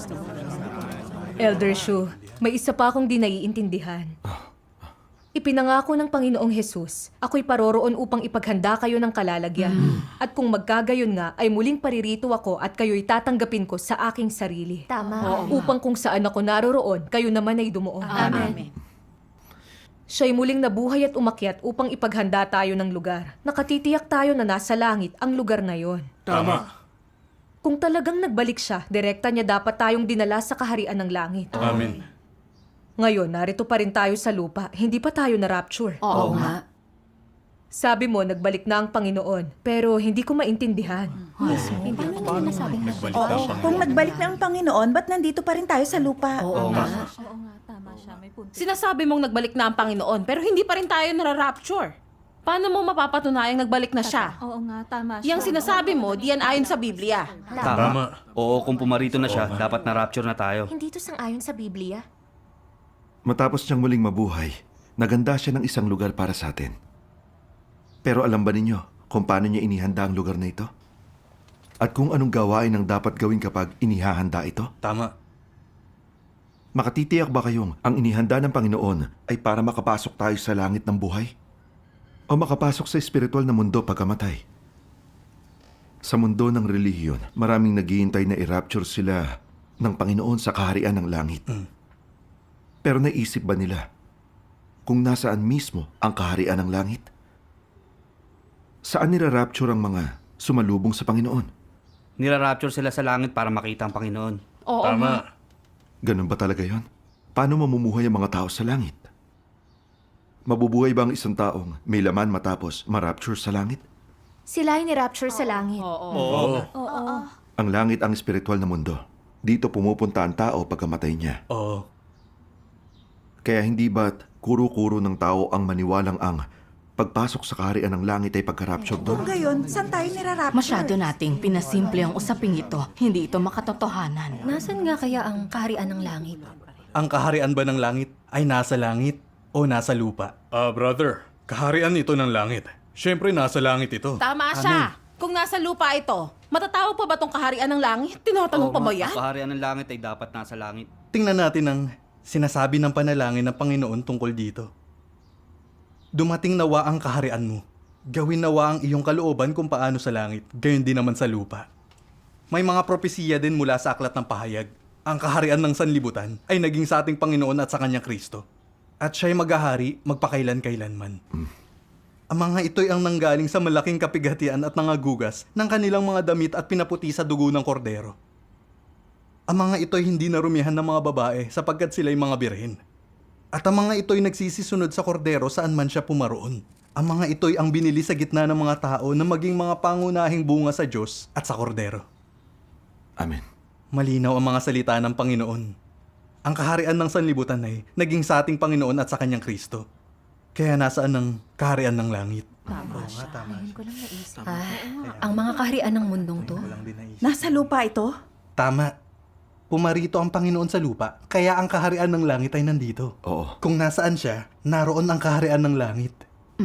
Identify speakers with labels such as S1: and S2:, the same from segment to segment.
S1: Elder Shu, may isa pa akong di naiintindihan. Ipinangako ng Panginoong Jesus, ako'y paroroon upang ipaghanda kayo ng kalalagyan. At kung magkagayon nga, ay muling paririto ako at kayo'y tatanggapin ko sa aking sarili.
S2: Tama.
S1: Upang kung saan ako naroroon, kayo naman ay dumuon.
S2: Amen.
S1: Siya'y muling nabuhay at umakyat upang ipaghanda tayo ng lugar. Nakatitiyak tayo na nasa langit ang lugar na yon.
S3: Tama.
S1: Kung talagang nagbalik siya, direkta niya dapat tayong dinala sa kaharian ng langit.
S3: Amen.
S1: Ngayon, narito pa rin tayo sa lupa. Hindi pa tayo na-rapture.
S2: Oo nga.
S1: Sabi mo, nagbalik na ang Panginoon. Pero hindi ko maintindihan.
S4: Kung nagbalik na ang Panginoon, ba't nandito pa rin tayo sa lupa?
S2: Oo nga.
S5: Sinasabi mong nagbalik na ang Panginoon, pero hindi pa rin tayo nara-rapture. Paano mo mapapatunayang nagbalik na siya?
S6: Oo nga, tama siya.
S5: Yang sinasabi mo, diyan ayon sa Biblia.
S3: Tama.
S7: Oo, kung pumarito na siya, dapat na-rapture na tayo.
S2: Hindi to sang-ayon sa Biblia.
S8: Matapos niyang muling mabuhay, naganda siya ng isang lugar para sa atin. Pero alam ba ninyo kung paano niya inihanda ang lugar na ito? At kung anong gawain ang dapat gawin kapag inihahanda ito?
S3: Tama.
S8: Makatitiyak ba kayong ang inihanda ng Panginoon ay para makapasok tayo sa langit ng buhay? O makapasok sa espiritual na mundo pagkamatay? Sa mundo ng relihiyon, maraming naghihintay na i-rapture sila ng Panginoon sa kaharian ng langit. Pero naisip ba nila kung nasaan mismo ang kaharian ng langit? Saan nira-rapture ang mga sumalubong sa Panginoon?
S7: Nira-rapture sila sa langit para makita ang Panginoon.
S5: Oo.
S3: Tama.
S8: Ganun ba talaga yon? Paano mamumuhay ang mga tao sa langit? Mabubuhay ba ang isang taong may laman matapos ma-rapture sa langit?
S2: Sila ay ni-rapture sa langit.
S3: Oo.
S8: Ang langit ang espiritual na mundo. Dito pumupunta ang tao pagkamatay niya.
S3: Oo.
S8: Kaya hindi ba't kuro-kuro ng tao ang maniwalang ang pagpasok sa kaharian ng langit ay pagka-rapture
S4: Kung
S8: doon?
S4: gayon, saan tayo nirarapture?
S9: Masyado nating pinasimple ang usaping ito. Hindi ito makatotohanan.
S2: Nasaan nga kaya ang kaharian ng langit?
S10: Ang kaharian ba ng langit ay nasa langit o nasa lupa?
S3: Brother, kaharian ito ng langit. Siyempre, nasa langit ito.
S5: Tama siya. Kung nasa lupa ito, matatawag pa ba tong kaharian ng langit? Tinatanong pa ba yan?
S7: Ang kaharian ng langit ay dapat nasa langit.
S10: Tingnan natin ang sinasabi ng panalangin ng Panginoon tungkol dito. Dumating nawa ang kaharian mo. Gawin nawa ang iyong kalooban kung paano sa langit, gayon din naman sa lupa. May mga propesiya din mula sa aklat ng pahayag. Ang kaharian ng sanlibutan ay naging sa ating Panginoon at sa kanyang Kristo. At siya'y maghahari magpakailan-kailanman. Ang mga ito'y ang nanggaling sa malaking kapighatian at nangagugas ng kanilang mga damit at pinaputi sa dugo ng kordero. Ang mga ito'y hindi narumihan ng mga babae sapagkat sila'y mga birhen. At ang mga ito'y nagsisisunod sa kordero saan man siya pumaroon. Ang mga ito'y ang binili sa gitna ng mga tao na maging mga pangunahing bunga sa Diyos at sa kordero.
S8: Amen.
S10: Malinaw ang mga salita ng Panginoon. Ang kaharian ng sanlibutan ay naging sa ating Panginoon at sa kanyang Kristo. Kaya nasaan ang kaharian ng langit?
S2: Ang mga kaharian ng mundong to?
S4: Nasa lupa ito?
S10: Tama. Pumarito ang Panginoon sa lupa, kaya ang kaharian ng langit ay nandito.
S8: Oo.
S10: Kung nasaan siya, naroon ang kaharian ng langit.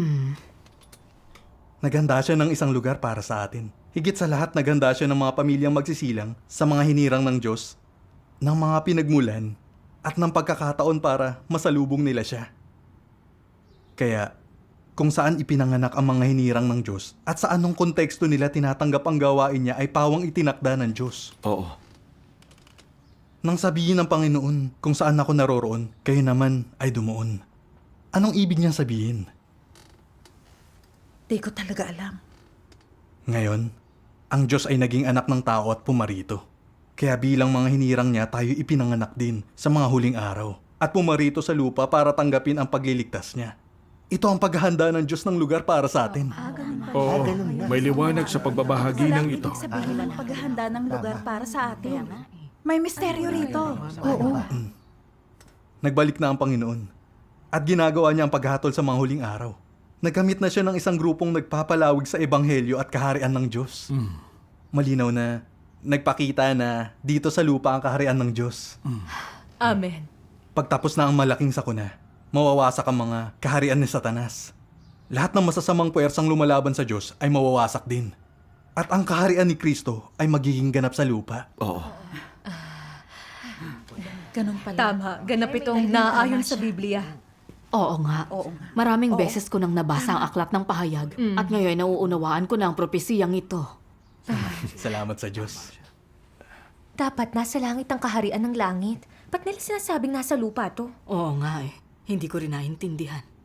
S10: Naghanda siya ng isang lugar para sa atin. Higit sa lahat, naghanda siya ng mga pamilyang magsisilang sa mga hinirang ng Diyos, ng mga pinagmulan, at ng pagkakataon para masalubong nila siya. Kaya, kung saan ipinanganak ang mga hinirang ng Diyos at sa anong konteksto nila tinatanggap ang gawain niya ay pawang itinakda ng Diyos.
S8: Oo.
S10: Nang sabihin ng Panginoon kung saan ako naroroon, kayo naman ay dumuon. Anong ibig niyang sabihin?
S4: Di ko talaga alam.
S10: Ngayon, ang Diyos ay naging anak ng tao at pumarito. Kaya bilang mga hinirang niya tayo ipinanganak din sa mga huling araw at pumarito sa lupa para tanggapin ang pagliligtas niya. Ito ang paghahanda ng Diyos ng lugar para sa atin.
S3: Oo. May liwanag sa pagbabahagi ng ito.
S4: Ibig sabihin ng paghahanda ng lugar para sa atin. May misteryo rito. Oo.
S10: Nagbalik na ang Panginoon at ginagawa niya ang paghatol sa mga huling araw. Nagkamit na siya ng isang grupong nagpapalawig sa ebanghelyo at kaharian ng Diyos. Malinaw na nagpakita na dito sa lupa ang kaharian ng Diyos.
S1: Amen.
S10: Pagtapos na ang malaking sakuna, mawawasak ang mga kaharian ni Satanas. Lahat ng masasamang puwersang lumalaban sa Diyos ay mawawasak din. At ang kaharian ni Kristo ay magiging ganap sa lupa.
S8: Oo.
S4: Ganun pala.
S1: Tama, ganap itong naaayon sa Biblia.
S9: Oo nga. Maraming beses ko nang nabasa ang aklat ng pahayag at ngayon nauunawaan ko na ang propesiyang ito.
S10: Salamat sa Diyos.
S2: Dapat nasa langit ang kaharian ng langit. Ba't nila sinasabing nasa lupa to?
S9: Oo nga eh. Hindi ko rin naintindihan.